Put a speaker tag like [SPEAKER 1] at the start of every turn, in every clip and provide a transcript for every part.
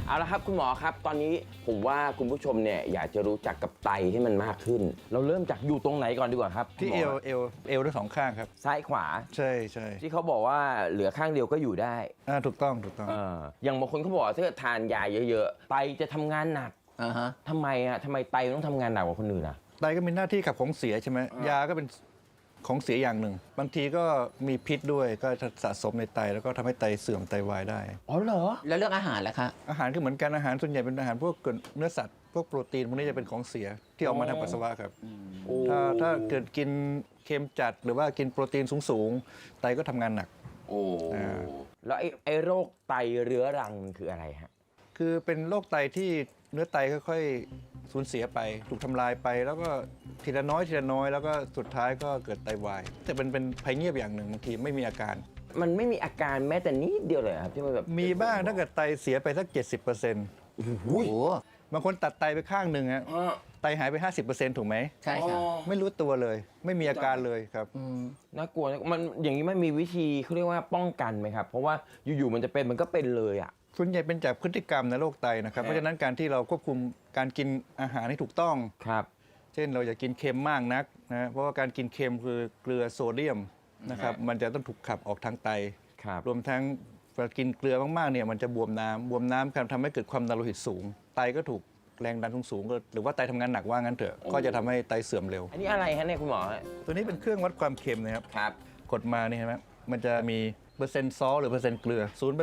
[SPEAKER 1] เอาละครับคุณหมอครับตอนนี้ผมว่าคุณผู้ชมเนี่ยอยากจะรู้จักกับไตให้มันมากขึ้นเราเริ่มจากอยู่ตรงไหนก่อนดีกว่าครับ
[SPEAKER 2] ที่เอวทั้งสองข้างครับ
[SPEAKER 1] ซ้ายขวา
[SPEAKER 2] ใช่ใช่
[SPEAKER 1] ที่เขาบอกว่าเหลือข้างเดียวก็อยู่ได้
[SPEAKER 2] ถูกต้อง
[SPEAKER 1] อย่างบางคนเขาบอกว่าถ้าทานยาเยอะๆไตจะทำงานหนักทำไมไตต้องทำงานหนักกว่าคนอื่นล่ะ
[SPEAKER 2] ไตก็มีหน้าที่ขับของเสียใช่ไหมยาก็เป็นของเสียอย่างหนึ่งบางทีก็มีพิษด้วยก็สะสมในไตแล้วก็ทำให้ไตเสื่อมไตวายได้
[SPEAKER 1] อ๋อเหรอ
[SPEAKER 3] แล้วเรื่องอาหารล่ะคะ
[SPEAKER 2] อาหารก็เหมือนกันอาหารส่วนใหญ่เป็นอาหารพวกเนื้อสัตว์พวกโปรตีนพวกนี้จะเป็นของเสียที่ออกมาทางปัสสาวะครับถ้าเกิดกินเค็มจัดหรือว่ากินโปรตีนสูงไตก็ทำงานหนัก
[SPEAKER 1] แล้วไอ้โรคไตเรื้อรังมันคืออะไรฮะ
[SPEAKER 2] คือเป็นโรคไตที่เนื้อไตค่อยๆสูญเสียไปถูกทำลายไปแล้วก็ทีละน้อยแล้วก็สุดท้ายก็เกิดไตวายแต่เป็นภัยเงียบอย่างหนึ่งบางทีไม่มีอาการ
[SPEAKER 1] มันไม่มีอาการแม้แต่นิดเดียวเลยครับที่มันแบบ
[SPEAKER 2] มีบ้างถ้าเกิดไตเสียไปสัก 70%
[SPEAKER 3] โอ้โห
[SPEAKER 2] บางคนตัดไตไปข้างหนึ่งฮะไตหายไป 50%ถูกไหม
[SPEAKER 3] ใช่ค่ะ
[SPEAKER 2] ไม่รู้ตัวเลยไม่มีอาการเลยครับ
[SPEAKER 1] น่ากลัวมันอย่างนี้มันมีวิธีเขาเรียกว่าป้องกันไหมครับเพราะว่าอยู่ๆมันจะเป็นมันก็เป็นเลยอ่ะ
[SPEAKER 2] ส่วนใหญ่เป็นจากพฤติกรรมในโรคไตนะครับเพราะฉะนั้นการที่เราควบคุมการกินอาหารให้ถูกต้อง
[SPEAKER 1] ครับ
[SPEAKER 2] เช่นเราอย่ากินเค็มมากนักนะเพราะว่าการกินเค็มคือเกลือโซเดียมนะครับมันจะต้องถูกขับออกทางไตรวมทั้งกินเกลือมากๆเนี่ยมันจะบวมน้ำการทำให้เกิดความดันโลหิตสูงไตก็ถูกแรงดันสูงหรือว่าไตทำงานหนักว่างั้นเถอะก็จะทำให้ไตเสื่อมเร็ว
[SPEAKER 1] อันนี้อะไรฮะเนี่ยคุณหมอ
[SPEAKER 2] ตัวนี้เป็นเครื่องวัดความเค็มนะครับกดมานี่เห็นไหมมันจะมีเปอร์เซ็นต์ซอสหรือเปอร์เซ็นต์เกลือ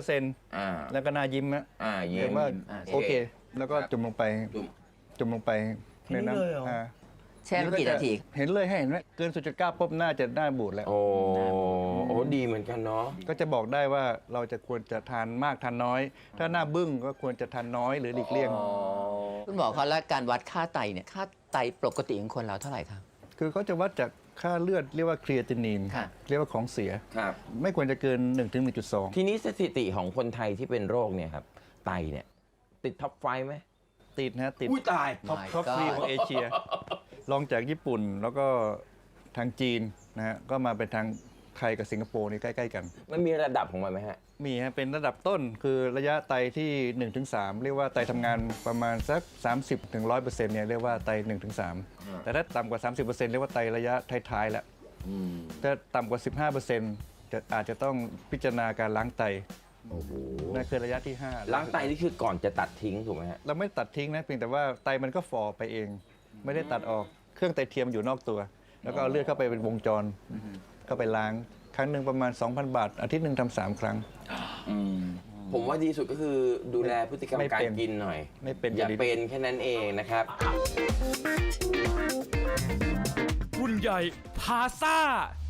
[SPEAKER 2] 0% แล้วก็หน้ายิ้มนะ
[SPEAKER 1] ยิ้ม
[SPEAKER 2] ว่าโอเคแล้วก็จุ่มลงไปในน้
[SPEAKER 3] ำแช่กี่นาที
[SPEAKER 2] เห็นเลยให้เห็นไหมเกิน 0.9 ปุ๊บหน้าจะหน้าบูดแล้ว
[SPEAKER 1] โอ้ดีเหมือนกันเนาะ
[SPEAKER 2] ก็จะบอกได้ว่าเราจะควรจะทานมากทานน้อยถ้าหน้าบึ้งก็ควรจะทานน้อยหรือหลีกเลี่ยง
[SPEAKER 3] คุณหมอคะแล้วการวัดค่าไตเนี่ยค่าไตปกติของคนเราเท่าไหร่ครับ
[SPEAKER 2] คือเขาจะวัดจากค่าเลือดเรียกว่าครีเอตินินเรียกว่าของเสียไม่ควรจะเกิน 1-1.2
[SPEAKER 1] ทีนี้สถิติของคนไทยที่เป็นโรคเนี่ยครับไตเนี่ยติดท็อปไฟไหม
[SPEAKER 2] ติดนะติด
[SPEAKER 1] ตาย
[SPEAKER 2] ท็อป3ของเอเชียรองจากญี่ปุ่นแล้วก็ทางจีนนะฮะก็มาเป็นทางไทยกับสิงคโปร์นี่ใกล้ๆกัน
[SPEAKER 1] มันมีระดับของมันไหมฮะ
[SPEAKER 2] มีฮะเป็นระดับต้นคือระยะไตที่ 1-3 เรียกว่าไตทำงานประมาณสัก 30-100% เนี่ยเรียกว่าไต 1-3 แต่ถ้าต่ำกว่า 30% เรียกว่าไตระยะท้ายๆแล้วถ้าต่ำกว่า 15% อาจจะต้องพิจารณาการล้างไตนั่นคือระยะที่5
[SPEAKER 1] ล้างไตนี่คือก่อนจะตัดทิ้งถูกไหมฮะ
[SPEAKER 2] เราไม่ตัดทิ้งนะเพียงแต่ว่าไตมันก็ฝ่อไปเองไม่ได้ตัดออกเครื่องไตเทียมอยู่นอกตัวแล้วก็เอาเลือดเข้าไปเป็นวงจรเข้าไปล้างครั้งหนึ่งประมาณ 2,000 บาทอาทิตย์หนึ่งทำ3 ครั้ง
[SPEAKER 1] ผมว่าดีสุดก็คือดูแลพฤติกรรมการกินหน่อย
[SPEAKER 2] ไม่เป็น
[SPEAKER 1] อย่าเป็นแค่นั้นเองนะครับ
[SPEAKER 4] รุ่นใหญ่พาซ่า